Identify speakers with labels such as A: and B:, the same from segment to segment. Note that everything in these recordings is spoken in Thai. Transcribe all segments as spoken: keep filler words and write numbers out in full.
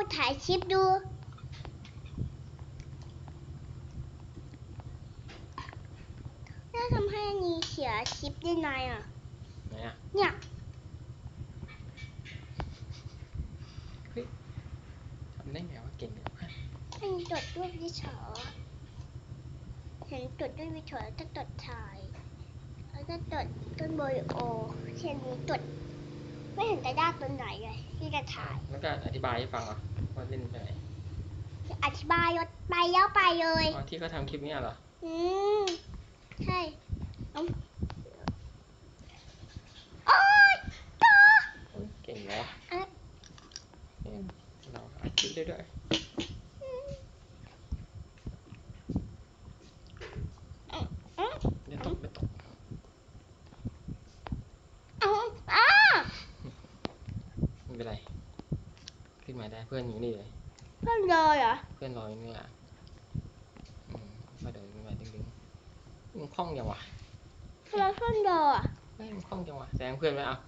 A: ถ่ายคลิปดูน่าทำให้นีเสียคลิปได้ไงอ่ะ
B: ไหนอ่ะ
A: เนี่ย
B: เฮ้ยทำได้ไงวะเก่งเลย
A: อันนี้จดด้วยวิชาเห็นจดด้วยวิชาแล้วก็จดถ่ายแล้วก็จดต้นโบริโอเช่นนี้จดไม่เห็นจะยากตรงไหนเลยที่จะถ่าย
B: แล้วก็อธิบายให้ฟังเหรอว่าเล่นไปไหน
A: อธิบายยศไปแล้วไปเลย
B: อ๋อที่เขาทำคลิปนี้เหรอ
A: อืมใช่โอ๊ยต่อ
B: เก่งเหรอเราอัดคลิปได้ด้วยไม่ตกไม่ตกไม่เป็นไรขึ้นมาได้เพื่อนอยู่นี่เลย
A: เพื่อนเลยเหรอ
B: เพื่อนรออยู่นี่แหละอืมมาเดินขึ้นมาดึงดึงมันคล่องยังวะ
A: เพื่อนเพื่อนเลยอ่ะ
B: เฮ้ยมันคล่องยังวะแซงเพื่อนไหมอ่ะ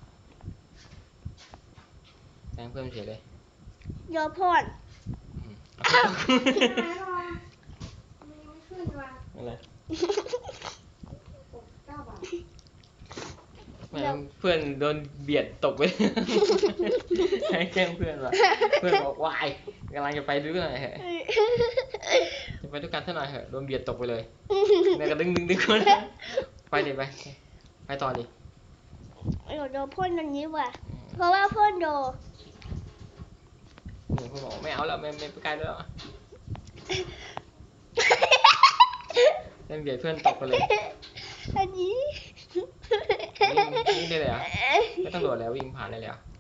B: แซงเพื่อนเฉยเลย
A: เยอะพ่น
B: อะไรเพื่อนโดนเบียดตกไปให้แกล้งเพื่อนว่ะเพื่อนบอกวายกำลังจะไปด้วยกันเหรอจะไปด้วยกันเท่าไหร่เหรอโดนเบียดตกไปเลยเนี่ยก็ดึงดึงดึงคนไปดิไปไปต่อดิ
A: เดี๋ยวโดนพ่นอย่างนี้ว่ะเพราะว่าพ่นโด
B: นี่เพื่อนบอกไม่เอาแล้วไม่ไม่ไปไกลแล้วเล่นเบียดเพื่อนตกไปเลย
A: อันนี้
B: วิ่งได้เลยอ่ะไม่ต้องโดดแล้ววิ่งผ่านได้เลยอ่ะ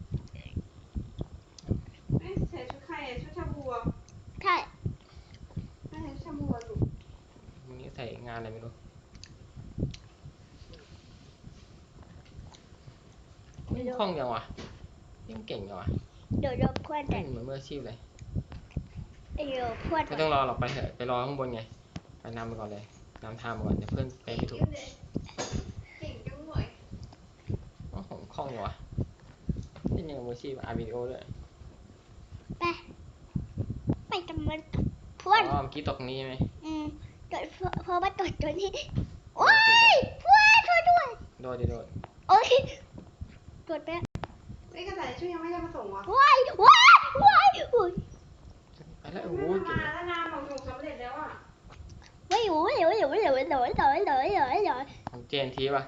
C: ใส่ชุดใครอ่ะชุดชาบูอ่ะ
A: ใช่
C: ใส่ชุดชาบูอ่ะลูก
B: วันนี้ใส่งานอะไรไม่รู้ไม่คล่องยังวะยังเก่งยังวะ
A: เดี๋ยวโดนพ่นแต่
B: เหมือนมืออาชีพเลย
A: เดี๋ยวพ่น
B: ไม่ต้องรอหรอกไปเถอะไปรอข้างบนไงไปนำไปก่อนเลยนำทางไปก่อนเดี๋ยวเพื่อนไปไม่ถูก
C: เก่งจังเลย
B: โอ้โหคล่องอยู่วะนี่ยังมืออาชีพอัดวิดีโอด้วย
A: ไปไปจำมันพ่น
B: อ๋อเมื่อกี้ตกตรงนี้ใช่ไหม
A: อืมจดเพราะว่าตดตัวนี้โอ้ยพ่นช่วยด้วย
B: โดดดิโดด
A: โอ้ยจดไป
C: ไอ้กระต่ายช่วยยังไม่ได้มาส่งวะ
A: ว้ายว้ายว้ายอุ้ย
B: ไปแล้วโอ้โหเก่ง
C: มาแล้วนานบอกส่งสำเร็จแล้วอ่ะ
A: ไม่อยู่ไม่อยู่ไม่อยู่ไม่อยู่ไม่อยู่ไม่อยู่ไม่อยู่ไม่อยู่ไม่อยู่
B: ของเจนทีป่ะ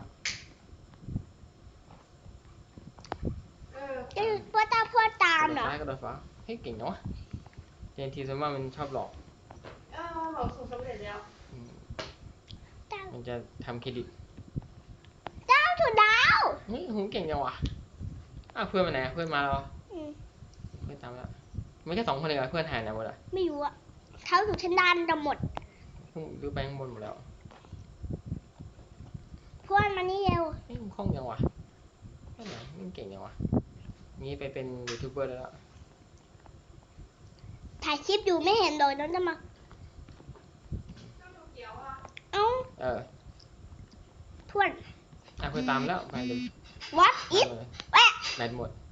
C: เออ
A: จะพ่อตามพ่อตามเหรอ
B: ซ้ายกระโดดฟ้าเฮ้ยเก่งเนาะเจนทีส่วนมากมันชอบหลอก
C: เออบอกส่งสำเร็จแล้ว
B: มันจะทำเครดิต
A: ดาวถูกดาว
B: นี่หูเก่งจังวะอ้าวเพื่อนมาไหนเพื่อนมาแล้วเพื่อนตามแล้วไม่แค่สองคนเลยเหรอเพื่อนหายไหนหมดอ่ะ
A: ไม่รู้อ่ะเขาอยู่ชั้นด้านจะหมด
B: ดูไปข้างบนหมดแล้ว
A: เพื่อนมานี่เร็ว
B: นี่มันคล่องจังวะแค่ไหนมันเก่งจังวะงี้ไปเป็นยูทูบเบอร์แล้ว
A: ถ่ายคลิปอยู่ไม่เห็นเลยน้องจะมาเอ้า
B: เออ
A: เพื่อน
B: อ่ะเพื่อนตามแล้วไปเลย
A: วัดอิฟแวะ
B: แบตหมด